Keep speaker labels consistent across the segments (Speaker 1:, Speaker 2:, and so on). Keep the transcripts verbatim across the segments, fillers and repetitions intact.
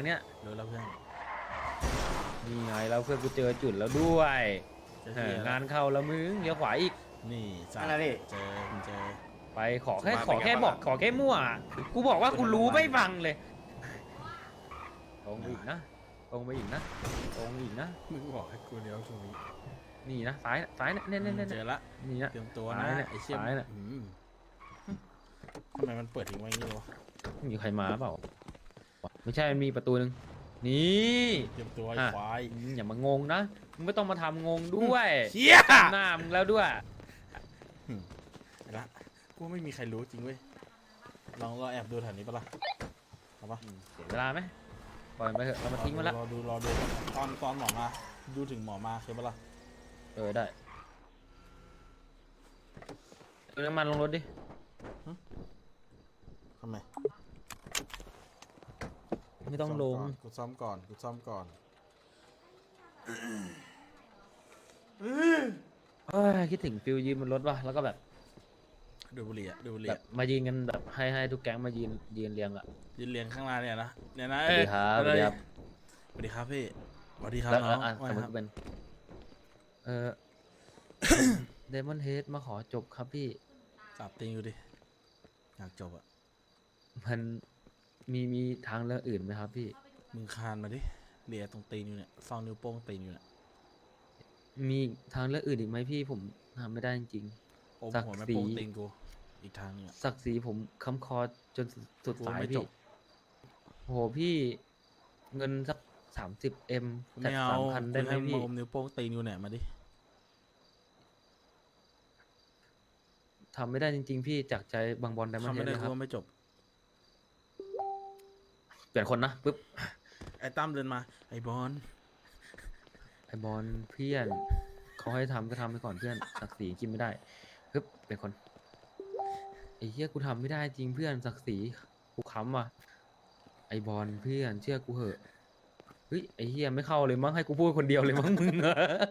Speaker 1: เนี้ย
Speaker 2: รู้แล้วเพื่อน
Speaker 1: นี่ไงแล้วเพื่อนกูเจอจุดแล้วด้วย
Speaker 2: จะ
Speaker 1: เอ
Speaker 2: เหี้
Speaker 1: อย งานเข้าแล้วมึงเลี้ยวขวาอีก
Speaker 2: นี่สัต
Speaker 3: อะไร
Speaker 2: ว์
Speaker 3: พี่
Speaker 2: เจอเจอ
Speaker 1: ไปขอแค่
Speaker 4: สุ
Speaker 1: ขอ
Speaker 4: ภาพเป็นไง
Speaker 1: แค่
Speaker 4: บ้าง
Speaker 1: บอก
Speaker 4: อะ
Speaker 1: ขอแค่มั่วกูบอกว่ากูรู้ไม่ฟังเลยตรงไปอีกนะตรงไปอีกนะตรงอีกนะ
Speaker 2: มึงบอกให้กูเลี้ยวตรงนี้
Speaker 1: นี่นะซ้ายซ้ายนะเน่ยเน่ยเน่ย
Speaker 2: เจ
Speaker 1: เน่
Speaker 2: อย ละ
Speaker 1: นี่นะ
Speaker 2: เตรียมตัว
Speaker 1: ซ้า
Speaker 2: นะ
Speaker 1: ยเนี่ย
Speaker 2: ไอ้เชี่ย
Speaker 1: ซ้ายเนี่ย
Speaker 2: อืมทำไมมันเปิดทิ้งไว้อย่างนี้วะ
Speaker 1: มีใครมาเปล่าไม่ใช่มันมีประตูหนึ่งนี่
Speaker 2: เตรียมตัวไอ้
Speaker 1: อ่ะ
Speaker 2: ควาย
Speaker 1: อืมอย่ามางงนะมึงไม่ต้องมาทำงงด้วย
Speaker 2: เชี่ย
Speaker 1: หน้ามึงแล้วด้วย
Speaker 2: ไอ้ละกูไม่มีใครรู้จริงเว้ยลองรอแอบดูแถวนี้ปะล่ะเอาปะ
Speaker 1: เสียเวลาไหมปล่อยมันไปเถอะเรามาทิ้งมันละ
Speaker 2: รอดูรอดูตอนตอนหมอมาดูถึงหมอมาเคยปะล่ะ
Speaker 1: เออได้เอาน้ำมันลงรถดิ
Speaker 2: ทำไม
Speaker 1: ไม่ต้องลง
Speaker 2: กูซ่อมก่อนกูซ่อมก่อน
Speaker 1: เอ้ยคิดถึงฟิลยืนบนรถว่ะแล้วก็แบบ
Speaker 2: ดูบุหรี่อะดูบุหรี่
Speaker 1: แบบ
Speaker 2: อะ
Speaker 1: มายืนกันแบบให้ให้ทุกแก๊งมายืนยืนเรียงอะ
Speaker 2: ยืนเรียงข้างหน้าเนี่ยนะเนี่ยนะ
Speaker 1: สวัสดีครับสวัสดีครับ
Speaker 2: สวัสดีครับพี่สวัสดีครับ
Speaker 1: แล้ว
Speaker 2: น้
Speaker 1: แล้
Speaker 2: อ
Speaker 1: ว
Speaker 2: ง
Speaker 1: อ่ะ
Speaker 2: ว่า
Speaker 1: สม
Speaker 2: ไง
Speaker 1: ม
Speaker 2: ค
Speaker 1: ติ
Speaker 2: รับ
Speaker 1: เป็นเออ เดมอนเฮดมาขอจบครับพี่
Speaker 2: จับติงอยู่ดิอยากจบอะ
Speaker 1: มันมีมีทางเลือกอื่นไหมครับพี่
Speaker 2: มึงคานมาดิเลียตรงตีนอยู่เนี่ยซองนิ้วโป้งตีนอยู่เนี่ย
Speaker 1: มีทางเลือกอื่นอีกไหมพี่ผมทำไม่ได้จริง
Speaker 2: โอ้ม
Speaker 1: ศักดิ์
Speaker 2: หัวแม่
Speaker 1: ศรี
Speaker 2: โป้งตีนกูอีกทางเนี่ย
Speaker 1: ๆศักดิ์ศรีผมค้ำคอจนสุด
Speaker 2: กู
Speaker 1: สาย
Speaker 2: ไม่จ
Speaker 1: พี่
Speaker 2: บ
Speaker 1: โหพี่เงินสักสามสิบเอ็มจัด
Speaker 2: ไม่เอา
Speaker 1: สามพันได้ไหม
Speaker 2: ให้
Speaker 1: พี่
Speaker 2: อมนิ้วโป้งตีนอยู่เนี่ยมาดิ
Speaker 1: ทำไม่ได้จริง ๆ พี่จากใจบางบอลไดมอน
Speaker 2: ทำ
Speaker 1: เฮ
Speaker 2: ไม่
Speaker 1: ด
Speaker 2: ได้
Speaker 1: เลยค
Speaker 2: กู
Speaker 1: รับ
Speaker 2: ว่าไม่จบ
Speaker 1: เปลี่ยนคนนะปุ๊บ
Speaker 2: ไอ้ตั้มเดินมาไอ้บอล
Speaker 1: ไอบอลเพื่อนเขาให้ทำก็ทำไปก่อนเพื่อนศักดิ์ศรีกินไม่ได้ปึ๊บเป็นคนไอ้เหี้ยกูทำไม่ได้จริงเพื่อนศักดิ์ศรีกูค้ำว่ะไอบอลเพื่อนเชื่อกูเหอะเฮ้ยไอ้เหี้ยไม่เข้าเลยมั้งให้กูพูดคนเดียวเลยมั้งมึงอะ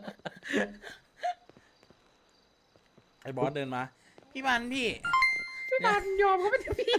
Speaker 2: ไอ้บอสเดินมาพี่บันพี่
Speaker 1: พี่บอลยอมเขาไม่ถึงพี่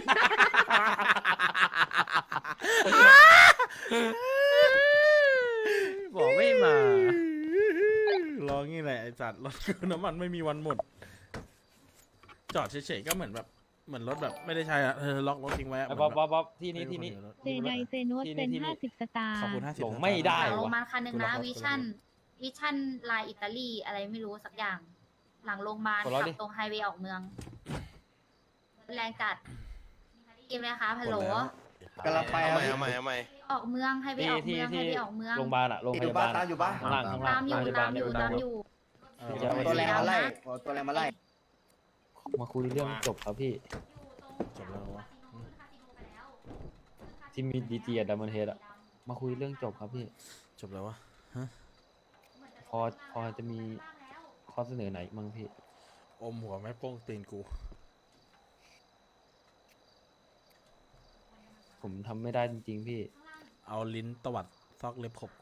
Speaker 1: บอกไม่มา
Speaker 2: ร้องงี้แหละไอ้สัตว์รถกูน้ำมันไม่มีวันหมด จอดเฉยๆก็เหมือนแบบเหมือนรถแบบไม่ได้ใช้อะเออล็อกรถทิ้งไว้อะ
Speaker 1: ไอ้
Speaker 2: เหมื
Speaker 1: บ๊
Speaker 2: อ
Speaker 1: อน บ
Speaker 2: แบบ
Speaker 1: บ๊อบบ๊อบที่นี่ที่นี่
Speaker 5: เซไดเซโนส
Speaker 1: ที่นี่
Speaker 5: เป็น
Speaker 1: ที่นี่
Speaker 5: ห้าสิบสตาร์
Speaker 2: ขอบคุณห้าสิบ
Speaker 1: หลงไม่ได้
Speaker 6: โร
Speaker 1: วะ
Speaker 6: มันคันหนึ่งนะวิชั่นวิชั่นลายอิตาลีอะไรไม่รู้สักอย่าง หลังโรงพยาบาล
Speaker 1: กดล้อ
Speaker 6: ขั
Speaker 1: ดิ
Speaker 6: บตรงไฮเวย์ออกเมืองแรงจัดกินไหมคะฮัลโหล
Speaker 3: กำลังไป
Speaker 4: เอา
Speaker 3: ครับ
Speaker 4: ใหม่
Speaker 3: พี่
Speaker 4: เอาใหม่เอาใหม่
Speaker 6: ออกเมืองไฮเวย์ออก
Speaker 1: ที่
Speaker 6: เมืองไฮ
Speaker 1: ที่
Speaker 6: เวย์ออกเมือง
Speaker 1: โรงพยาบาลอะโรงพ
Speaker 3: อยู่
Speaker 1: ยา
Speaker 3: บ้า
Speaker 1: บาน ล
Speaker 3: ตามอยู่บ้าน
Speaker 1: ข้างล่างข้างล่า
Speaker 6: ตาง มอยู่
Speaker 1: โรงพ
Speaker 6: ตา
Speaker 1: บล
Speaker 6: มอยู่
Speaker 1: โรงพ
Speaker 6: ตาม
Speaker 1: บล
Speaker 6: อยู่
Speaker 2: เออ
Speaker 1: เดี๋ยว
Speaker 3: ตัวแรงมาไล่ตัวแรงมาไล่
Speaker 1: มาคุยเรื่องจบครับพี่
Speaker 2: จบแล้ววะ
Speaker 1: ที่มีดีจีอะดัมเบิลเฮดอะมาคุยเรื่องจบครับพี่
Speaker 2: จบแล้ววะ
Speaker 1: พอพอจะมีข้อเสนอไหนมั้งพี่
Speaker 2: อมหัวแม่โป้งตีนกู
Speaker 1: ผมทำไม่ได้จริงๆพี่
Speaker 2: เอาลิ้นตวัดซอกเล็บขบกู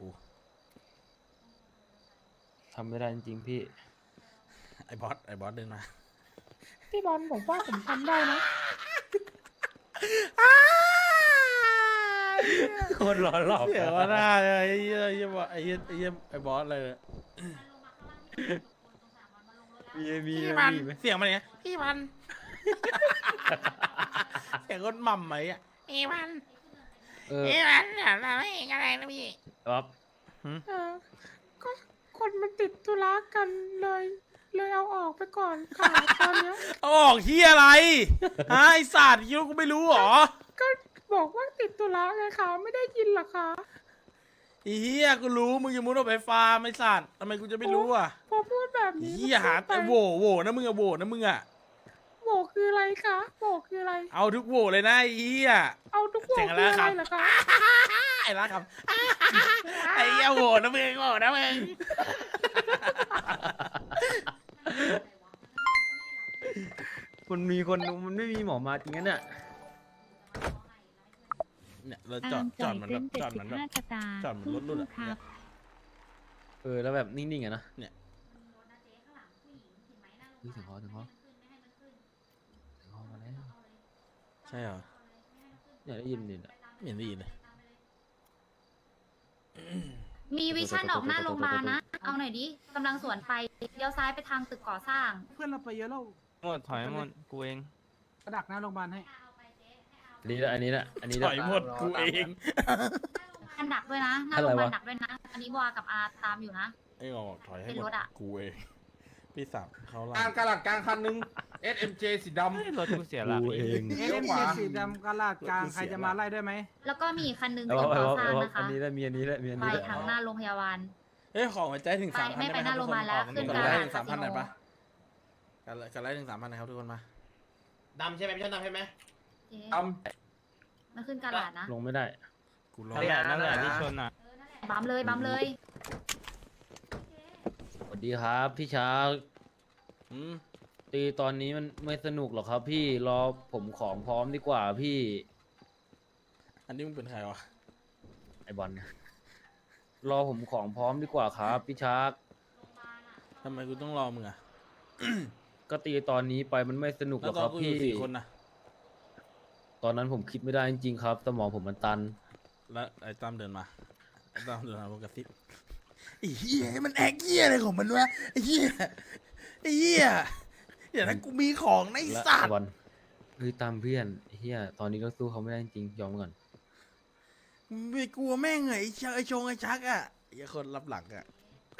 Speaker 1: ทำไม่ได้จริงๆพี่
Speaker 2: ไอ้บอสไอ้บอสเดินมา
Speaker 5: พี่บอลผมว่าผมทำได้นะ
Speaker 1: โคตรร้อนหลอก
Speaker 2: เสียว่าหน้าเลยไอ้เหี้ยไอ้เหี้ยไอ้เหี้ยไอ้เหี้ยไอ้บอสเลยเนี่ย
Speaker 1: มีมี
Speaker 2: พี่มัน
Speaker 1: มีไหม
Speaker 2: เสียงมันเนี่ยพี่มัน เสียงคนหม่ำไหมอ่ะพี่มัน
Speaker 1: เออ
Speaker 2: พี่มันเนี่ยเราไม่เห็นอะไรนะพี่
Speaker 1: ครับ
Speaker 5: เออ ก็คนมันติดธุระกันเลย เลยเอาออกไปก่อนค่ะตอนเนี้ย
Speaker 2: เอาออกที่อะไรฮะไอ้สัตว์คิดว่ากูไม่รู้เหรอ
Speaker 5: ก็บอกว่าติดธุระไงคะไม่ได้ยินเหรอคะ
Speaker 2: ไอ้เหี้ยกูรู้มึงจะมุดออกไปฟาร์มไอ้สัตว์ทำไมกูจะไม่รู้อ่ะ
Speaker 5: พอพูดแบบ
Speaker 2: ไอ้
Speaker 5: นี้
Speaker 2: เหี้ยหาแต่โหวโหวนะมึงอะโหวนะมึงอะ
Speaker 5: โบกคืออะไรคะโบกคืออะไร
Speaker 2: เอาทุกโหวเลยนะไอ้เหี้ย
Speaker 5: เอาทุกโบก
Speaker 2: เสียง
Speaker 5: คือ
Speaker 2: อะไร
Speaker 5: อะไร
Speaker 2: ครับ
Speaker 5: เหรอคะ
Speaker 2: ไอ้ละครับ ไอ้เหี้ยโหวนะมึงโหวนะมึง
Speaker 1: มันมีคนดูมันไม่มีหมอมาจริงงั้นเนี่ย
Speaker 2: เนี่ยเราจอดจอดเหมือนแบบจอดเหมือนแบบ
Speaker 5: สตาร์
Speaker 2: จอดเหมือนรถรุ่นอะ
Speaker 5: ครับ
Speaker 1: เออแล้วแบบนิ่งๆอะนะ
Speaker 2: เนี่ย
Speaker 1: เฮ้ยถึงคอถึงคอถึงคอมาแล้ว
Speaker 2: ใช่เหรอ
Speaker 1: เนี่ยได้ยินนี่นะ
Speaker 2: ไม่เห็นได้ยินเลย
Speaker 6: มีวิชั่นออกหน้าโรงพยาบาลนะ เอาหน่อยดิกำลังสวนไปเลี้ยวซ้ายไปทางตึกก่อสร้าง
Speaker 4: เพื่อนเราไปเยอะแล้ว
Speaker 7: หมดถอยหมดกูเอง
Speaker 4: กระดักหน้าโรงพยาบาลให้
Speaker 1: อันนี้แหละอันนี้แหละอันนี้แห
Speaker 2: ถ
Speaker 1: ละ
Speaker 2: อยหมดกูเอง
Speaker 6: อันดักด้วยนะ หน้า
Speaker 1: อะ
Speaker 6: โร
Speaker 1: ไรง
Speaker 6: พยาบาล
Speaker 1: วะ
Speaker 6: ดักด้วยนะ อันนี้บัวกับอาตามอยู่นะ
Speaker 2: ไอ้งอกถอยให้
Speaker 6: เป็น
Speaker 2: หม
Speaker 6: ร
Speaker 2: ด
Speaker 6: ถอะ
Speaker 2: กูเองพี่สับเขา
Speaker 8: ก
Speaker 2: ล่า
Speaker 8: ลางกระหลัดกลางคันหนึง เอส เอ็ม เจ สีด
Speaker 7: เฮ้ยรถกูเสียหลัก
Speaker 1: กูเอง
Speaker 4: เอ็ม
Speaker 8: ขวา
Speaker 4: เจสีดำกระลาดกลางใครจะมาไล่ด้วยไหม
Speaker 6: แล้วก็มีอีกคันนึง
Speaker 1: เอา
Speaker 6: ตึก
Speaker 1: เอา
Speaker 6: ก่อ
Speaker 1: เอา
Speaker 6: สร้าง
Speaker 1: เอา
Speaker 6: นะคะ
Speaker 1: อันนี้แหละมีอันนี้แหละมีอัน
Speaker 6: ไป
Speaker 1: นี้แหละ
Speaker 6: ทางหน้าโรงพยาบาล
Speaker 2: เฮ้ยของหัวใจถึง
Speaker 6: ไป
Speaker 2: สามพัน
Speaker 6: ไม่ไปหน้าโรงพยาบาลแล้วขึ้น
Speaker 2: กด
Speaker 6: กระ
Speaker 2: ไล
Speaker 6: ดาษ
Speaker 2: ค์ถึงสามพันหน่อยปะ
Speaker 6: คาสิโน
Speaker 2: กันกันไลค์ถึงสามพันนะครับทุกคนมา
Speaker 3: ดำใช่ไหมพี่ชนดำใช่ไหม
Speaker 6: เจ๊
Speaker 8: ำด
Speaker 6: มันขึ้นกระดาษนะ
Speaker 1: ลงไม่ได้
Speaker 2: กูรอ
Speaker 7: นั่นแหละนั่นแหละที่ชนอ่ะ
Speaker 6: บัมเลยบัมเลย
Speaker 1: สวัสดีครับพี่ช้าง
Speaker 2: อืม
Speaker 1: ตีตอนนี้มันไม่สนุกหรอกครับ พี่รอผมของพร้อมดีกว่าพี่
Speaker 2: อันนี้มึงเป็นใครวะ
Speaker 1: ไอบอลรอผมของพร้อมดีกว่าครับพี่ชัก
Speaker 2: ทำไมกูต้องรอมึงอะ
Speaker 1: ก็ตีตอนนี้ไปมันไม่สนุกห
Speaker 2: แล้
Speaker 1: ร
Speaker 2: ว
Speaker 1: อก
Speaker 2: ตอ
Speaker 1: คน รับ
Speaker 2: กูอยู่
Speaker 1: พี่
Speaker 2: สี่คนนะ
Speaker 1: ตอนนั้นผมคิดไม่ได้จริงๆครับสมองผมมันตัน
Speaker 2: แล้วไอ้ตั้มเดินมาไอ้ตั้มเดินมาบอกกระซิบไอ้เหี้ยมันแอกเหี้ยอะไรของมันวะไอ้เหี้ยไอ้เหี้ยอย่านะกูมีของในะไอ้
Speaker 1: และ
Speaker 2: สัต
Speaker 1: ไอ
Speaker 2: ว์
Speaker 1: บอลเฮ้ยตามเพื่อนเฮียตอนนี้ก็สู้เขาไม่ได้จริงๆยอมก่อน
Speaker 2: ไม่กลัวแม่งไงไอ้เชไอ้ชงไอ้ชักอะไอ้คนรับหลังอะ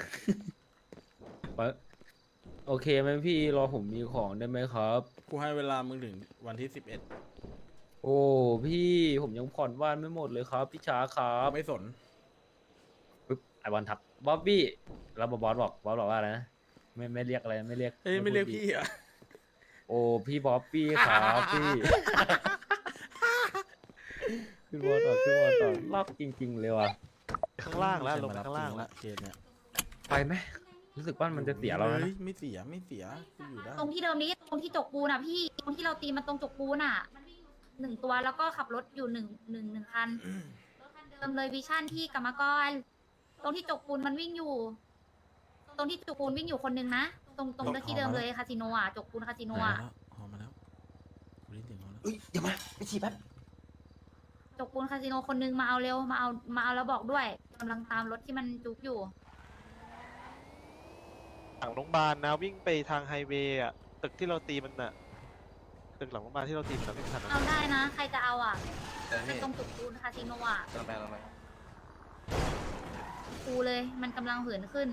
Speaker 1: ไปโอเคไหมพี่รอผมมีของได้ไหมครับ
Speaker 2: กูให้เวลามึงถึงวันที่สิบเอ็ด
Speaker 1: โอ้พี่ผมยังผ่อนบ้านไม่หมดเลยครับพี่ช้าครับ
Speaker 2: ไม่สน
Speaker 1: ปึ๊บไอบอลทักบ๊อบบี้แล้วบอสบอกบอสบอกว่าอะไรนะไม่ไม่เรียกอะไรไม่เรียก
Speaker 2: เอ้ยไม่เรียก
Speaker 1: พูดดี
Speaker 2: พี่อะ
Speaker 1: โอ้พี่บ๊อบบี้ครับพี่ ขึ้นวอต่อขึ้นวอต่อลอกจริง ๆ เลยว่ะ
Speaker 7: ข้างล่างแล้วลงไปข้างล่างแล้ว
Speaker 2: เคสเนี่ย
Speaker 1: ไปไหมรู้สึกว่ามันจะเสียเราแล้วนะ
Speaker 2: ฮ้ไม่เสียไม่เสียกูอยู่ได้
Speaker 6: ตรงที่เดิมนี้ตรงที่จกปูนอ่ะพี่ตรงที่เราตีมันตรงจกปูนอ่ะหนึ่งตัวแล้วก็ขับรถอยู่หนึ่งหนึ่งหนึ่งคันรถคันเดิมเลยวิชั่นที่กรรมกร ตรงที่จกปูนมันวิ่งอยู่ ตรงที่จกปูนวิ่งอยู่คนนึงนะตรงตรงที่เดิมเลยคาสิโนอ่ะจกปูนคาสิโนอ่ะ
Speaker 2: หอมมาแล้วกูได้ยินเสียงเขาแล้ว
Speaker 3: เอ้ยเดี๋ยวมาไปฉี่แป๊บ
Speaker 6: จกปูนคาสิโนคนนึงมาเอาเร็วมาเอามาเอาแล้วบอกด้วยกำลังตามรถที่มันจุกอยู่
Speaker 7: หลังโรงพยาบาลนะวิ่งไปทางไฮเวย์อ่ะตึกที่เราตีมันอ่ะตึกหลังโรงพยาบาลที่เราตีมันอะไม่ทัน
Speaker 6: เอาได้นะ ใครจะเอาอ่ะ
Speaker 3: เดี๋ยว
Speaker 6: เป็
Speaker 3: นี่
Speaker 6: นตรงจุกปูนคาสิโนอ่ะ
Speaker 3: ลงไปลงไป
Speaker 6: ปูเลยมันกำลังเหินขึ้น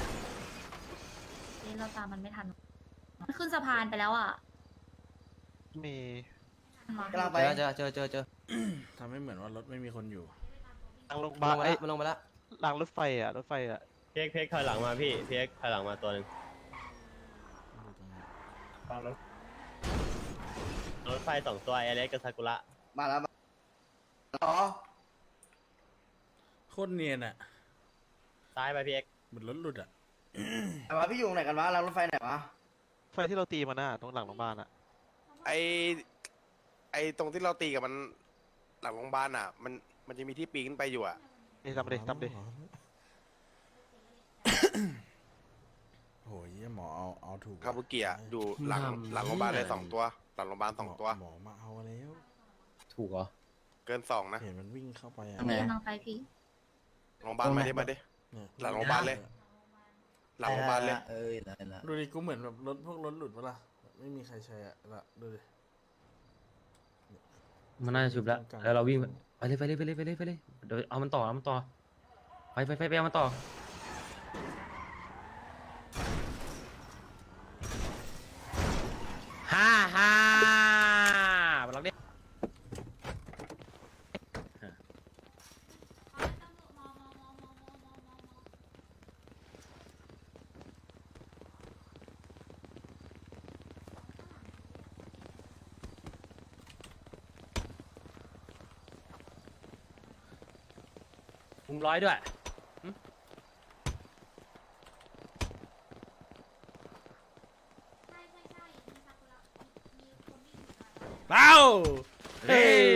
Speaker 6: เอ๊ะเราตามมันไม่ทันมันขึ้นสะพานไปแล้วอ่ะ
Speaker 7: มี
Speaker 3: กำลังไปเจอเจอเจอเจอ
Speaker 2: ทำให้เหมือนว่ารถไม่มีคนอยู่
Speaker 7: หลังโรงพยา
Speaker 3: มา
Speaker 7: บาล
Speaker 3: ลงมา
Speaker 7: ไอ้
Speaker 3: แล้วมันลงมาแล้ว
Speaker 7: หลังรถไฟอ่ะรถไฟอ่ะ
Speaker 9: เพียกเพียกถอยหลังมาพี่เพียกถอยหลังมาตัวหนึ่งรถไฟสองตัวไอเล็กกับซากุระ
Speaker 3: มาแล้วมาอ๋อ
Speaker 2: โคตรเนียนอะ
Speaker 9: ซ้ายไปพี่เอ็ก
Speaker 2: เหมือนรถหลุดอะ
Speaker 3: แต่ว่าพี่อยู่ไหนกันวะรางรถไฟไหนวะ
Speaker 7: ไฟที่เราตีมันน่ะตรงหลังโรงพยาบาลอ่ะ
Speaker 10: ไอไอตรงที่เราตีกับมันหลังโรงพยาบาลอ่ะ มันมันจะมีที่ปีนขึ้นไปอยู่อ่ะ
Speaker 7: นี่ทำไปดิทำดิ
Speaker 2: โอ้ยหมอเอาเอาถูก
Speaker 10: คาบุกิอ่ะอยู่หลังหลังโรงพยาบาลเลยสองตัว หลังโรงพยาบาลสองตัว
Speaker 2: หมอมาเอาแล้ว
Speaker 1: ถูกเหรอ
Speaker 10: เกินสองนะ
Speaker 2: เห็นมันวิ่งเข้าไปอะ
Speaker 3: ทำไง
Speaker 6: กำลังไปพี่
Speaker 10: โรงพยาบาลมาได้มาได้
Speaker 2: เนี่ย
Speaker 10: หลังโรงพยาบาลเลย หลังโรงพยาบาลเลย
Speaker 3: เอ้ยได้ละ
Speaker 2: ดูดิกูเหมือนแบบรถพวกรถหลุดปะล่ะไม่มีใครใช้อะละดูดิ
Speaker 1: มันน่าจะชุบแล้วแล้วเราวิ่งไปเลยไปเลยไปเลยไปเลยไปเลยเดี๋ยวเอามันต่อเอามันต่อไปไปไปไปเอามันต่อฮ่าฮ่าบล็อกดิมุมร้อยด้วยหึ
Speaker 2: เอ้า
Speaker 1: เฮ้ย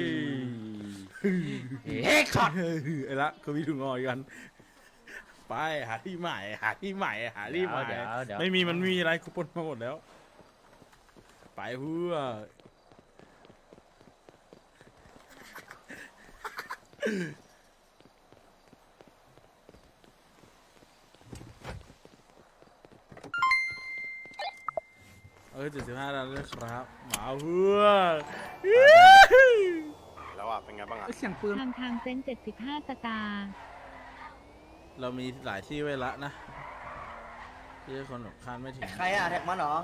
Speaker 1: เฮ้ยช็อต
Speaker 2: ไอ้ละก็มีถุงงอยกัน ไปหาที่ใหม่หาที่ใหม่หาที่ใหม่
Speaker 1: เดี๋ยวเดี๋ยว
Speaker 2: ไม่มีมันมีอะไรกูปนมาหมดแล้ว ไปเพื่ออเจ็ดสิบห้าดาวด้วยครับหมาเพื่อ
Speaker 10: แล้วอ่ะเป็นไงบ้างอ่ะ
Speaker 4: เสียงปืน
Speaker 6: ทางทางเซ็นเจ็ดสิบห้าสตาร์
Speaker 2: เรามีหลายที่ไว้ละนะที่คนแบบคาดไม่ถึง
Speaker 3: ใครอะแท็กมันเหรอ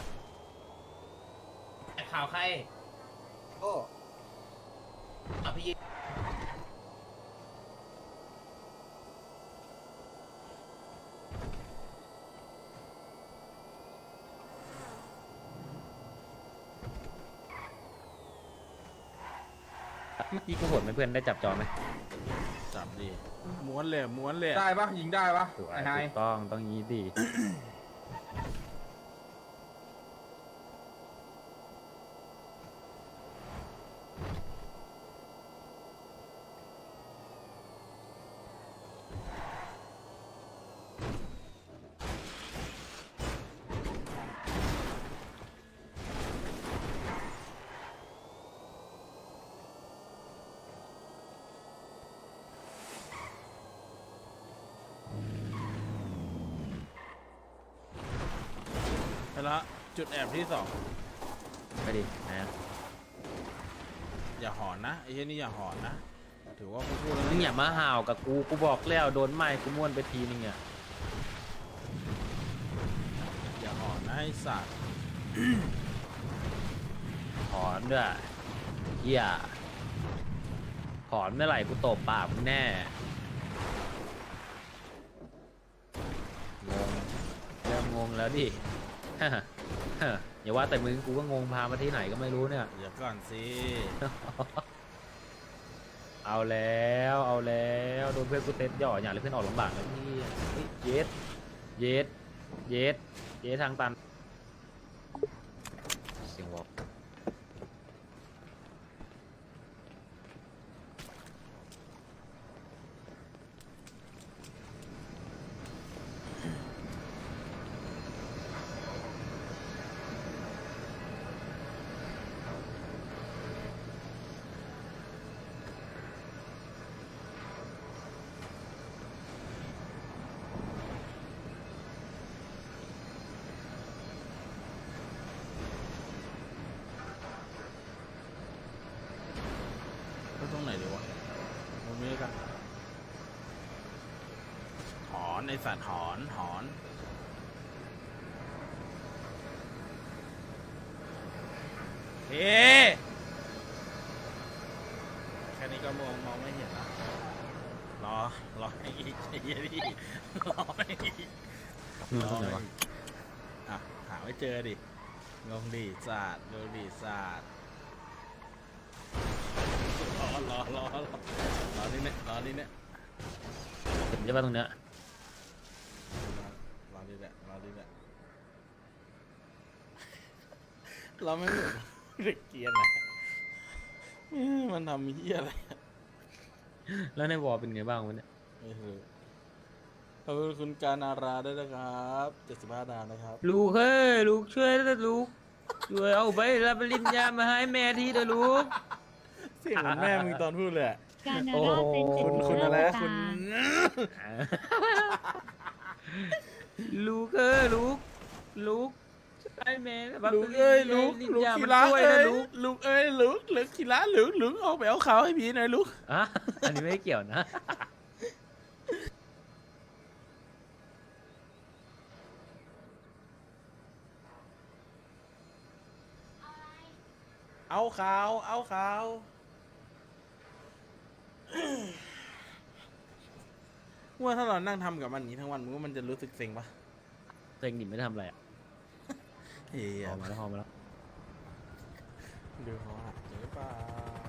Speaker 8: ข่าวใคร
Speaker 3: โอ้
Speaker 8: อ่ะพี่
Speaker 1: เมื่อกี้กูโหดไหมเพื่อนได้จับจอไหม
Speaker 2: จับดีม้วนเลยม้วนเลย
Speaker 8: ได้ปะยิงได้ปะ
Speaker 1: ถูก
Speaker 8: ไอ้นาย
Speaker 1: ต้องต้องงี้ดี
Speaker 2: ไปละจุดแอบที่สอง
Speaker 1: ไปดินะ
Speaker 2: อย่าหอนนะไอ้เช่นนี่อย่าหอนนะถือว่ากูพูดแล้ว
Speaker 1: มึ
Speaker 2: นะ
Speaker 1: งอย่ามาห่าวกับกูกูบอกแล้วโดนไม้กูม้วนไปทีนึงอ่ะ
Speaker 2: อย่าหอนนะไอ้สัตว์
Speaker 1: ถอนด้วยเฮียถอนเมื่อไหร่กูตบปากมึงแน่งงเริ่มงงแล้วดิ อย่าว่าแต่มึงกูก็งงพามาที่ไหนก็ไม่รู้เนี่ย
Speaker 2: เดี๋ยวก่อนสิ
Speaker 1: เอาแล้วเอาแล้วโดนเพื่อนกูเต็ดหย่ออย่างเลยเพื่อนออกลำบากแล้วพี่เฮ้ยเย็ดเย็ดเย็ดเย็ดทางตันเสียงวอล
Speaker 2: ไปตรงไหนดีวะตรงนี้กันหอนไอ้สัตว์หอนหอนเฮ้แค่นี้ก็มองมองไม่เห็นละรอรอให้อีกไอ้เหี้ยดิรอให้อีก
Speaker 1: นู่นตรงไหนวะ
Speaker 2: อ่ะหาไม่เจอดิงงดิศาสตร์งงดิศาสตร์รอรอรอรอรอนี่เนี่ยรอนี่เนี่ย
Speaker 1: เห็นใช่ปะตรงเนี้ย
Speaker 2: รอนี่แหละรอนี่แหละเราไม่เหมือนเด็กเกรียนนะเอ้ยมันทำเหี้ยอะไร
Speaker 1: แล้วในวอลเป็นไงบ้างวะเนี่ย
Speaker 2: ไม่รู้ขอบคุณคุณการนาราด้วยนะครับเจ็ดสิบห้าดาวนะครับ
Speaker 1: ลูกเฮ้ยลูกช่วยด้วยลูกช่วยเอาไปรับปริญญามาให้แม่ทีเถอะลูก
Speaker 2: เสียงเหมือนแม่มึงตอนพูดเลยอะ
Speaker 6: การนา
Speaker 1: โอ้
Speaker 6: รา
Speaker 1: โห
Speaker 6: เซ็นเจ็ด
Speaker 2: คุณ
Speaker 6: สิบ
Speaker 2: คุณ
Speaker 6: ห้า
Speaker 2: อะไร
Speaker 6: ส
Speaker 2: นะคุ
Speaker 6: ตา
Speaker 2: ณ
Speaker 6: ร์
Speaker 1: ลูกเอ้ยลูกลูกช่วยแม่รับ
Speaker 2: ลู
Speaker 1: ป
Speaker 2: ก
Speaker 1: ริญ
Speaker 2: เอ้ย
Speaker 1: ญา
Speaker 2: ลูก
Speaker 1: ปริญ
Speaker 2: ลูก
Speaker 1: ญา
Speaker 2: ขี
Speaker 1: มัน
Speaker 2: ระ
Speaker 1: ช่วย
Speaker 2: เอ้
Speaker 1: นะ
Speaker 2: ย
Speaker 1: ลูก
Speaker 2: ลูกเอ้ยลูกลูกขีระลูกลูกออกไปเอาขาวให้พี่หน่อยลูก
Speaker 1: อ่ะอันนี้ไม่เกี่ยวนะ
Speaker 2: เอาขาวเอาขาวว่าถ้าเรานั่งทำกับมันอย่างนี้ทั้งวันมึงว่ามันจะรู้สึกเซ็งปะ
Speaker 1: เซ็งดิไม่ได้ทำอะไรอ่ะ
Speaker 2: เฮีย
Speaker 1: พอมาแล้วพอมาแล้ว
Speaker 2: ดูเขาหักหรือเปล่า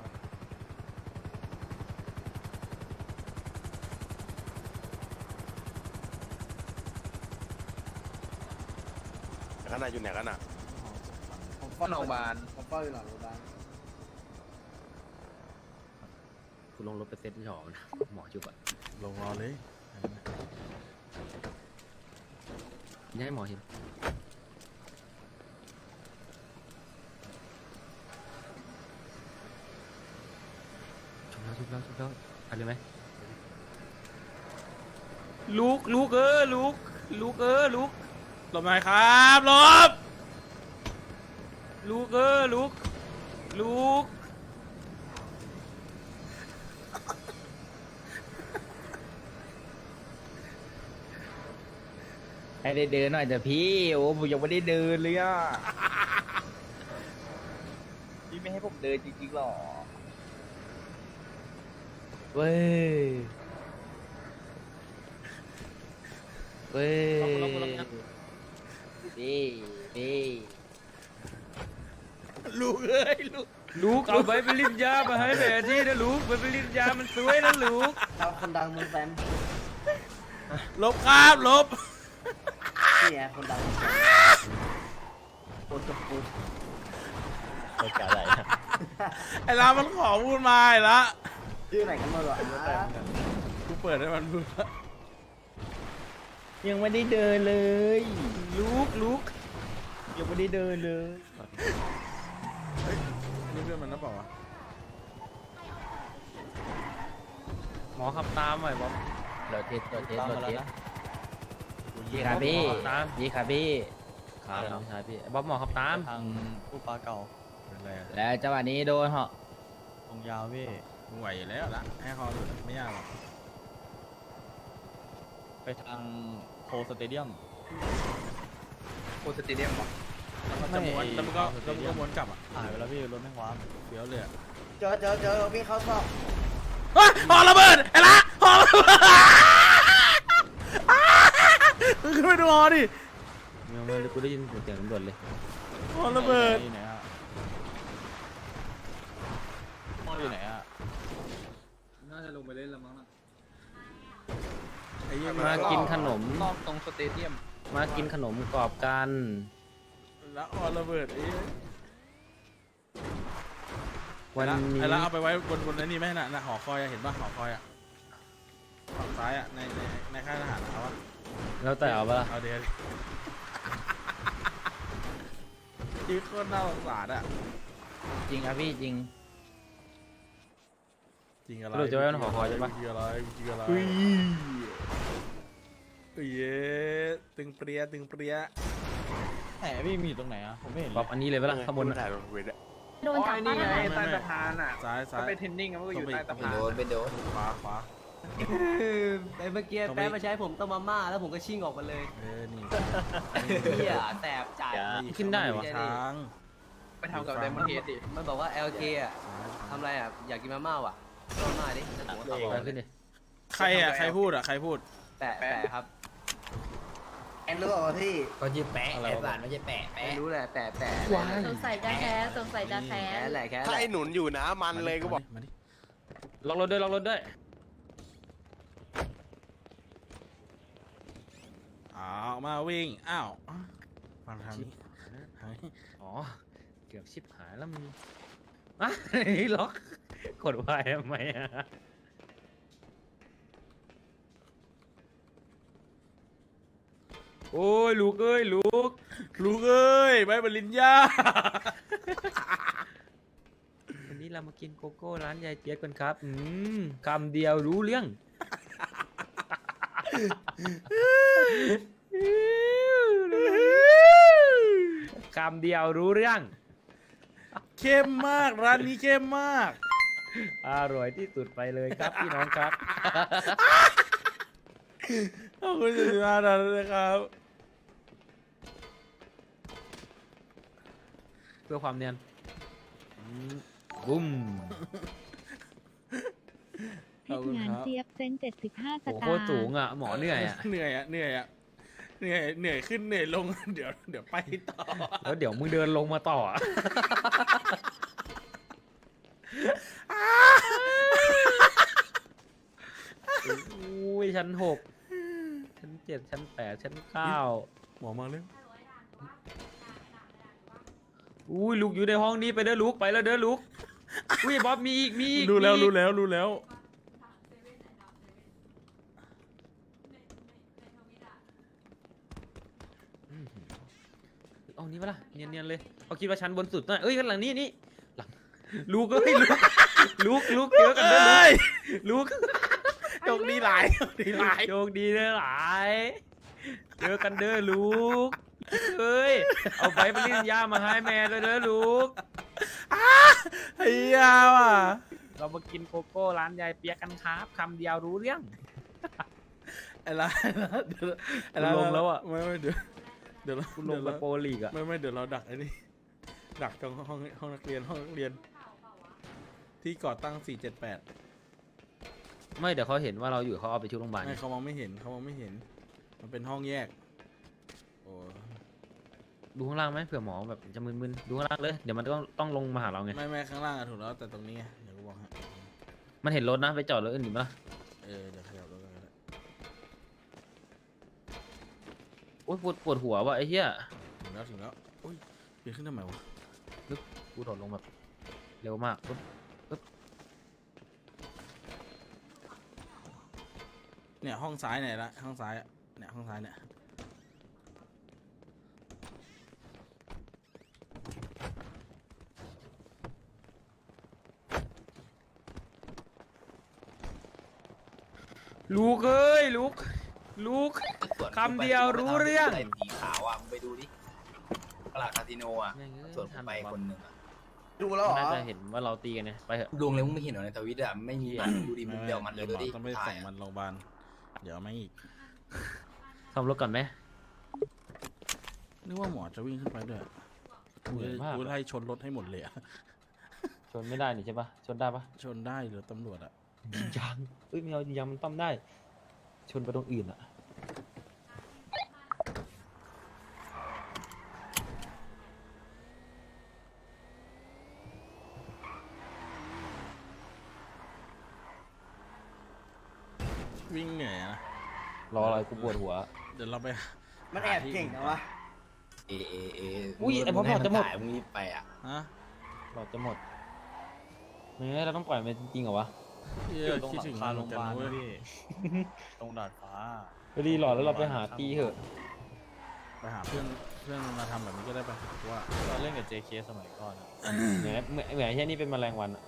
Speaker 10: ข้างในอยู่ไหนกันอ่ะ
Speaker 3: ผมเฝ้าโรงพยาบาลผมเฝ้าอยู่หลังโรงพยาบาล
Speaker 1: กูลงรถไปเซ็ตที่หอนะหมอจุบอ่ะ
Speaker 2: ลงรอเลย
Speaker 1: กินให้หมอเห็นชุบแล้วชุบแล้วชุบแล้วไปเลยไหมลูกลูกเออลูกลูกเออลูก
Speaker 2: หลบหน่อยครับหลบ
Speaker 1: ลูกเออลูกลูก
Speaker 3: ให้ได้เดินหน่อยแต่พี่ โอ้ผมยังไม่ได้เดินเลยอ่ะ พี่ไม่ให้ผมเดินจริงๆหรอ เว้ย เว้ยดีดี
Speaker 2: ลูกเอ้ยลูก
Speaker 1: ลูกเอาใบปริญญามาให้แม่ที่นะลูกใบปริญญามันสวยนะลูก
Speaker 3: เราคนดังมึงแฟน
Speaker 2: ลบครับลบ
Speaker 3: นี่ไงคนดังโคตรกู
Speaker 9: โอกาสอะไรนะ
Speaker 2: ไอ้ละมันขอพูดมาไอ้ละ
Speaker 3: ชื่อไหนกันมาหรอ
Speaker 2: กูเปิดให้มันพูดละ
Speaker 3: ยังไม่ได้เดินเลย
Speaker 1: ลูกลูก
Speaker 3: ยังไม่ได้เดินเลย
Speaker 2: เฮ้ยอันนี่เพื่อนมันนะเปล่าวะ
Speaker 1: หมอขับตามหน่อยบอม
Speaker 3: รถเทสรถเทสรถเทส
Speaker 2: กู
Speaker 3: ดี
Speaker 2: ยิง
Speaker 3: ครับพี่
Speaker 1: ตาม
Speaker 3: ดีครับพี่
Speaker 1: ครับน้องชายพี่บอมหมอขับตาม
Speaker 9: ทางผู้ปลาเก่า
Speaker 2: อะไรอะ
Speaker 3: แล้วจังหวะนี้โดนเหาะ
Speaker 9: ตรงยาวพี่
Speaker 2: มึงไหวอยู่แล้วละให้คอหลุดไม่ยากหรอก
Speaker 9: ไปทางโคสเตเดียม
Speaker 3: โคสเตเดียมหรอ
Speaker 2: แล้วมันจะม้วนแล้วมันก็แล้วมันก็ม้วนกลับอ่ะ
Speaker 9: หายไปแล้วพี่รถแม่งว้า
Speaker 2: เดี๋ยวเลยอะ
Speaker 3: เจอเจอเจอพี่เขาสอบ
Speaker 2: เฮ้ยหอระเบิดไอ้ละหอระเบิดมึงขึ้นไปดูหอดิ
Speaker 1: เมื่อเมื่อกูได้ยินเสียงตำรวจเลย
Speaker 2: หอระเบิด
Speaker 9: อยู่ไหนอะพ่ออยู่ไหนอะ
Speaker 3: น่าจะลงไปเล่นแล้วมั้ง
Speaker 2: ไอ้เหี้ย
Speaker 1: มากินขนม
Speaker 3: รอบตรงสเตเดียม
Speaker 1: มากินขนมกรอบกัน
Speaker 2: แล้วหอระเบิดไอ้เหี้ย
Speaker 1: วันนี้
Speaker 2: ไอ้ละเอาไปไว้บนบนไอ้นี่ไหมน่ะน่ะหอคอยอะเห็นป่ะหอคอยอะฝั่งซ้ายอะในในในค่ายทหารเอาวะ
Speaker 1: แล้วแต่เอาปะล่ะ
Speaker 2: เอาเดี๋ยวชีวิตโคตรน่าสงสารอะ
Speaker 3: จริงครับพี่จริง
Speaker 2: จริงอะไร
Speaker 1: เราจะไว้บนหอคอยใช่ปะ
Speaker 2: จริงอะไรจริงอะไรเฮ้ยเย้ตึงเปรี้ยตึงเปรี้ย
Speaker 9: ไหนพี่มีอยู่ตรงไหนอะผมไม่เห็น
Speaker 1: บ
Speaker 9: เล
Speaker 1: อบ
Speaker 9: ย
Speaker 1: อันนี้เลยปะล่ะข้างบน
Speaker 10: ถ่า
Speaker 1: อะ
Speaker 10: ยรูปไว้ด้วย
Speaker 6: โดนจับป้าทหาร
Speaker 2: ใต้สะพานอ่ะซ้ายซ้าย
Speaker 3: ไปเทรนนิ่งมันก็อยู่ใต้สะพาน
Speaker 2: โดนไปโดนขวาขวา
Speaker 3: ไอ้เมื่อกี้แป๊บมาใช้ผมต้มมาม่าแล้วผมก็ชิ่งออกมาเลย
Speaker 2: เออนี่
Speaker 3: เฮียแสบจ่าย
Speaker 1: ขึ้นได้วะ
Speaker 2: ช้าง
Speaker 3: ไปทำกับไดมอนเฮดดิมันบอกว่า แอล เค อ่ะทำอะไรอ่ะอยากกินมาม่าว่ะต้มมาม่าดิแล้วผมก็ขับออก
Speaker 1: ไป
Speaker 3: มา
Speaker 1: ขึ้นดิ
Speaker 2: ใครอ่ะใครพูดอ่ะใครพูด
Speaker 3: แปะแปะครับแอนรู้เปล่าพี่
Speaker 1: ก็ยืดแปะ
Speaker 2: อะไรวะ
Speaker 1: ไอ้บ้านไม่ใช่แปะ
Speaker 3: แอน
Speaker 1: แปะ
Speaker 3: รู้แหละแปะแปะ
Speaker 1: ว้าย
Speaker 6: สงสัยจะแค้นสงสัยจะแค้
Speaker 3: แค่
Speaker 6: น
Speaker 3: แหละแค่
Speaker 10: ถ้าไอ้หนุนอยู่นะมันเลยก็บอก
Speaker 2: มาดิ
Speaker 1: ล็อกรถด้วยล็อกรถด้วย
Speaker 2: อ้าวมาวิ่งอ้าวฟังทางนี้ทางนี้
Speaker 1: อ๋อเกือบชิบหายแล้วมึงอ่ะนี่ล็อกกดวายทำไมอ่ะโอ้ยลูกเอ้ยลูก
Speaker 2: ลูกเอ้ยใบปริญญา
Speaker 1: วันนี้เรามากินโกโก้ร้านยายเจี๊ยบกันครับ อืมคำเดียวรู้เรื่อง คำเดียวรู้เรื่อง
Speaker 2: เข้มมากร้านนี้เข้มมาก
Speaker 1: อร่อยที่สุดไปเลยครับพี่น้องครับ
Speaker 2: ขอบคุณสุดยอดนะครับ
Speaker 1: เพื่อความเนียนอืมบุ้ม
Speaker 2: ขอบคุณ
Speaker 5: งาน
Speaker 2: ครับ
Speaker 5: เจี๊ยบเซนเจ็ดสิบห้าส
Speaker 1: โอ้โห
Speaker 5: ตา
Speaker 1: โค
Speaker 5: ร์
Speaker 1: ตรสูงอ่ะ หมอเหนื่อยอ่ะ
Speaker 2: เหนื่อยอ่ะเหนื่อยอ่ะเหนื่อยเหนื่อยขึ้นเหนื่อยลง เดี๋ยวเดี๋ยวไปต่อ
Speaker 1: แล้วเดี๋ยวมึงเดินลงมาต่ออะอุ้ยชั้นหกชั้นเจ็ดชั้นแปดชั้นเก้า
Speaker 2: หมอมาเร็ว
Speaker 1: อุ้ยลูกอยู่ในห้องนี้ไปเด้อลูกไปแล้วเด้อลูกอุ้ยบ๊อบมีอีกมีอีก
Speaker 2: รู้แล้ว
Speaker 1: มีอีก
Speaker 2: รู้แล้วรู้แล้ว
Speaker 1: เอานี้ปะล่ะเนียนๆเลยเขาคิดว่าชั้นบนสุดนะเอ้ยกันหลังนี้นี่หลังลูกเอ้ยลูกลูกลูกเจอกันเด้อ
Speaker 2: เอ้ย
Speaker 1: ลูก
Speaker 2: โชคดีหลายโชคดีหลาย
Speaker 1: โชคดีเด้อหลายเจอกันเด้อลูกเฮ้ย เอาไปปริญญามาให้แม่ด้วยเด้อลูก
Speaker 2: ไอ้ยาว่ะ
Speaker 1: เรามากินโกโก้ร้านยายเปียกกันครับคำเดียวรู้เรื่อง
Speaker 2: ไอ้ร้านเดี๋ยวไอ้ร้าน
Speaker 1: กูลงแล้วอะ
Speaker 2: ไม่ไม่เดี๋ยวเดี๋ยวเรา
Speaker 1: คุณลง
Speaker 2: เดี๋ยว
Speaker 1: ไป
Speaker 2: เรา
Speaker 1: โปรลีกอะ
Speaker 2: ไม่ไม่เดี๋ยวเราดักไอ้นี่ดักตรงห้องห้องนักเรียนห้องนักเรียน ที่ก่อตั้งสี่เจ็ดแปด
Speaker 1: ไม่เดี๋ยวเขาเห็นว่าเราอยู่เขาเอาไปชุดโรงพยาบาล
Speaker 2: ไม่เขามองไม่เห็นเขามองไม่เห็น มันเป็นห้องแยกโอ้
Speaker 1: ดูข้างล่างไหมเผื่อหมอแบบจะมึนๆดูข้างล่างเลยเดี๋ยวมันต้องต้องลงมาหาเราไง
Speaker 2: ไม่ไม่ข้างล่างอะถูกแล้วแต่ตรงนี้ไงเดี๋ยวกูบอกให้
Speaker 1: มันเห็นรถนะไปจอดรถอื่นดีมั้ย
Speaker 2: เออเดี๋ยวขยับรถกันก็ได้
Speaker 1: โอ๊ยปวดปวดหัวว่ะไอ้เหี้ย
Speaker 2: ถึงแล้วถึงแล้วโอ้ยเปลี่ยนขึ้นทำไมวะ
Speaker 1: กูโดดลงแบบเร็วมากปุ๊บ
Speaker 2: เนี่ยห้องซ้ายไหนละห้องซ้ายอะเนี่ยห้องซ้ายเนี่ย
Speaker 1: ลูกเอ้ยลูกลูก คำเดียวรู้เรื่อง
Speaker 8: สีขาวอ่ะมึงไปดูดิตลาดคาสิโนอ่ะ
Speaker 1: แม่งเอ้ย
Speaker 8: ส่วนผมไปคนหนึ่งอ่ะ
Speaker 10: ดูแล้วเหรอ
Speaker 1: น่าจะเห็นว่าเราตีกันเนี่ยไปเถอะ
Speaker 8: ดวงเลยมึงไม่เห็นเหรอในทวิตอ่ะไม่มีมันดูดิมึงเดียวมันเลย
Speaker 2: ห
Speaker 8: ดู
Speaker 2: มอ
Speaker 8: ดิ
Speaker 2: ต้องไป
Speaker 8: ถ่า
Speaker 2: ส่
Speaker 8: ย
Speaker 2: ง
Speaker 8: อะ
Speaker 2: มันโรงพยาบาลเดี๋ยวไม่อีก
Speaker 1: ซ่อมรถก่อนไหม
Speaker 2: นึกว่าหมอจะวิ่งขึ้นไปด้วย
Speaker 1: เหนื่อยมาก
Speaker 2: กูไล่ชนรถให้หมดเลยอะ
Speaker 1: ชนไม่ได้นี่ใช่ปะชนได้ปะ
Speaker 2: ชนได้หรือตำรวจอะ
Speaker 1: ยังเอ้ยไม่เอายังมันต้อมได้ ชนไปตรงอื่นอะ
Speaker 2: วิ่งเหนื่อยอะนะ
Speaker 1: รออะไรกูปวดหัว
Speaker 2: เดี๋ยวเราไป
Speaker 10: มันแอบเก่งนะวะ
Speaker 8: เอเอเอ
Speaker 1: อุ้ยไอ้พ่อ
Speaker 8: มึงให้
Speaker 1: จะหมด
Speaker 8: ถ่ายมึงรีบไปอ่ะ
Speaker 2: ฮะ
Speaker 1: หลอดจะหมดไม่งั้นเราต้องปล่อยมันจริงๆเหรอวะ
Speaker 2: เหี้
Speaker 9: อย ยู่ตรง
Speaker 2: คิด
Speaker 9: หลั
Speaker 2: ถึ
Speaker 9: ง
Speaker 2: ง
Speaker 9: คา
Speaker 2: มัน
Speaker 9: โรงพ
Speaker 2: กัน
Speaker 9: ยาบาล
Speaker 2: นะเว้
Speaker 9: นะ
Speaker 2: ย
Speaker 9: พี่ ตรงดาดฟ้า
Speaker 1: ไปรีหลอดแล้วเราไปหาตีเถอะ
Speaker 2: ไปหาเพื่อนเพื่อนมาทำแบบนี้ก็ได้ไปะว่า
Speaker 9: ตอนเล่นกับ เจ เค สมัยก่อนอะ
Speaker 1: เหมือนเหมือนเหมือนแค่นี้เป็นแมลงวันอะ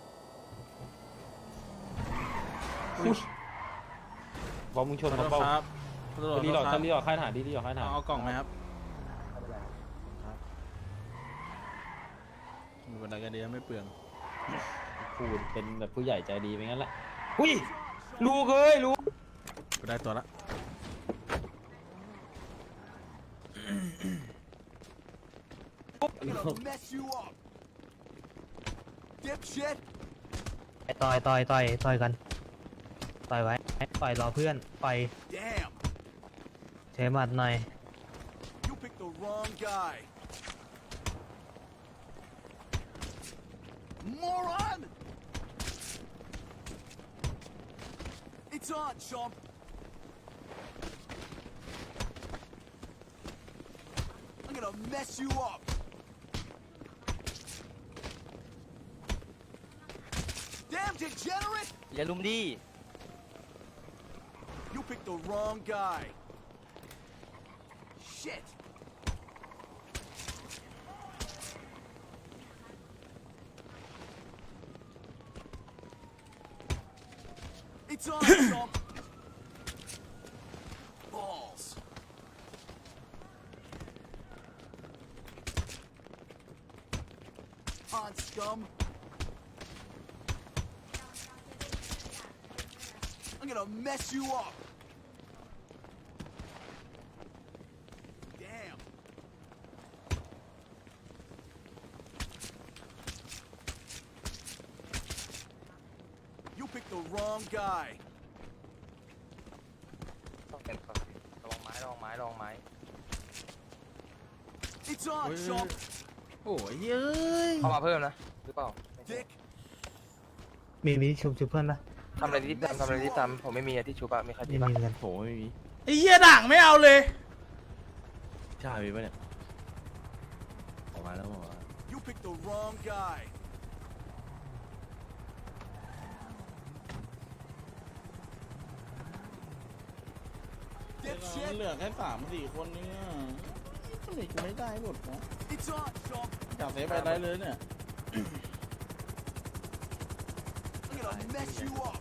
Speaker 1: อุ๊ยบอลมึงชน
Speaker 2: ขอ
Speaker 1: เขา
Speaker 2: โทษ
Speaker 1: เปล่า
Speaker 2: ครับขอโทษ
Speaker 1: รีหลอด
Speaker 2: ค
Speaker 1: ถ้า
Speaker 2: รับ
Speaker 1: รีหลอดค่ายทหารดีรีหลอดค่ายทหาร
Speaker 2: เอาเอากล่องไหมครับมีบันไดกันดีนะไม่เปลือง
Speaker 1: พูดเป็นแบบผู้ใหญ่ใจดีไปงั้นแหละอุ้ยลูกเอ้ยลูก
Speaker 2: กูได้ตัวละ
Speaker 11: ไอ้ต่อยต่อยต่อยต่อยกัน ต่อยไว้ ต่อยรอเพื่อน ต่อยเชหมัดหน่อย
Speaker 12: You picked the wrong guy. Moron! It's on, chump. I'm gonna mess you up. Damn degenerate!
Speaker 3: อย่าลุมดิ
Speaker 12: You picked the wrong guy. Shit. It's on, chump. Balls. On, scum. I'm gonna mess you up. Damn. You picked the wrong guy.
Speaker 3: ลองไม้ลองไม้ลองไม้
Speaker 12: It's on, chump.
Speaker 2: โอ้ยเย้ย
Speaker 3: เข้ามาเพิ่มนะหรือเปล่า
Speaker 12: Dick.
Speaker 11: มีมีชุบชุบเพื่อนปะ
Speaker 3: ทำอะไรรีบทำทำอะไรรีบทำผมไม่มีอะที่ชูปะมีใคร
Speaker 11: มี
Speaker 3: มีปะ
Speaker 11: มีเหมือนกัน
Speaker 9: โหไม่มี
Speaker 2: ไอ้เหี้ยด่างไม่เอาเลย
Speaker 9: ใช่มีปะเนี่ยออกมาแล้วบอกว่า
Speaker 12: You picked the wrong guy. Dipshit.
Speaker 2: เหลือแค่สามสี่คนเนี่ยทำไมกูไม่ได้หมดวะ
Speaker 12: It's on, chump.
Speaker 2: จับเซฟไปได้เลยเนี่ย
Speaker 12: I'm gonna mess you up.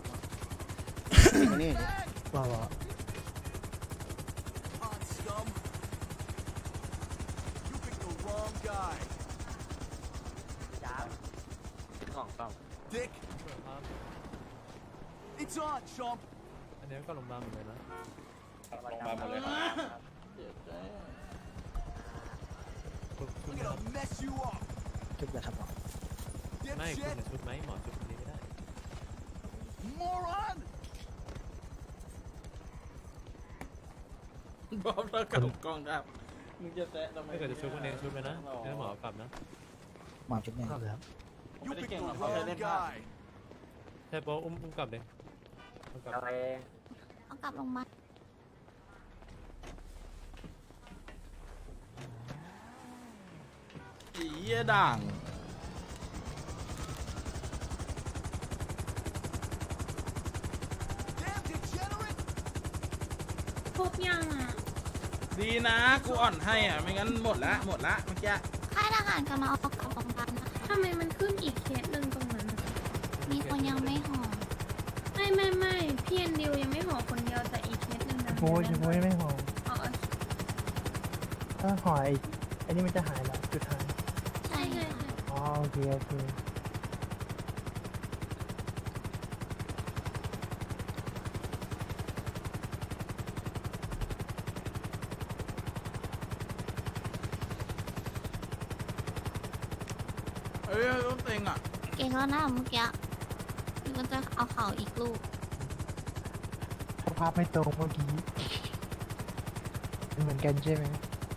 Speaker 11: ว่าว่า
Speaker 12: On, scum. guy.
Speaker 7: สองสาม
Speaker 12: Dick. It's on, chump.
Speaker 9: อันนี้ก็ลงมาหมดเลยนะ
Speaker 7: ลงมาหมดเลยครับ
Speaker 12: I'm gonna mess you up.
Speaker 11: ชุบเลยครับหมอ
Speaker 9: ไม่คุณ
Speaker 12: Dipshit.
Speaker 9: ชุดไหมหมอชุดนี้ไม่ได้
Speaker 12: Moron.
Speaker 2: บอมเรากับกล้องครับมึงจะแซะทำไม
Speaker 9: ไม่เกิดจะชุดคนเองชุดไปนะเดี๋ยวหมอกลับนะ
Speaker 11: หมอชุบเนี่ยครับ
Speaker 12: You picked the wrong guy.
Speaker 9: ใช่โป๊ะอุ้มอุ้มกลับเลยอุ้มกลับ
Speaker 6: เอากลับลงมา
Speaker 2: ไอ้เหี้ยด่าง
Speaker 12: Damn degenerate.
Speaker 5: พบยังอ่ะ
Speaker 2: ดีนะกูอ่อนให้อ่ะไม่งั้นหมดละหมดละเมื่อกี้
Speaker 6: ค่ายทหารกำลังเอากลับโรงพยาบาลนะคะ
Speaker 5: ทำไมมันขึ้นอีกเคสหนึ่งตรงนั้นอะ
Speaker 6: มีคนยังไม่ห่อ
Speaker 5: ไม่ไม่ไม่พี่แอนดิวยังไม่ห่อคนเดียวแต่อีกเคสหนึ่งนะ
Speaker 11: โอ้ยโอ้ยไม่หอม
Speaker 5: อ๋อ
Speaker 11: ถ้าหอยอันนี้มันจะหายแล้วจุดหาย
Speaker 6: ใช่
Speaker 5: ใช่
Speaker 6: ค่ะ
Speaker 5: ค่ะ
Speaker 11: อ๋อโอเคโอเค
Speaker 2: เอ้ยต้องเต็งอ่ะ
Speaker 6: เก่งแล้วนะเมื่อกี้นี่ก็จะเอาเข่าอีกลูก
Speaker 11: สภาพไม่ตรงเมื่อกี้เหมือนกันใช่ไหม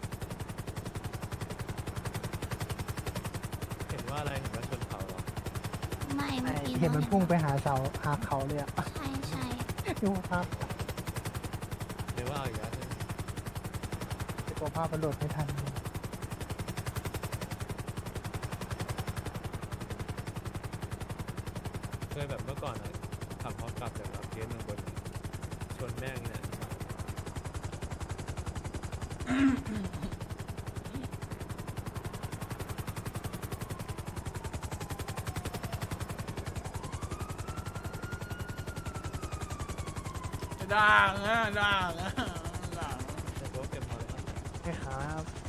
Speaker 9: เห็นว่าอะไรเห็นว่าชนเขาเหรอ
Speaker 6: ไม่เมื่อกี้
Speaker 11: เห็นมันพุ่งไปหาเสาหาเขาเลยอะ
Speaker 6: ใช่ใช่
Speaker 11: ดูภาพ
Speaker 9: หรือว่าเอาอีกแล้วใช่ไหม
Speaker 11: ตัวภาพมันโหลดไม่ทัน
Speaker 9: เคยแบบเมื่อก่อนอะขับพร้อมกลับจากรับเคสหนึ่งบนชนแม่งเนี่ย
Speaker 2: ด่างอ่ะด่างอ่ะด่าง
Speaker 9: ใช่โป๊ะเก็บพอเลยครับ
Speaker 11: ใช่ครับ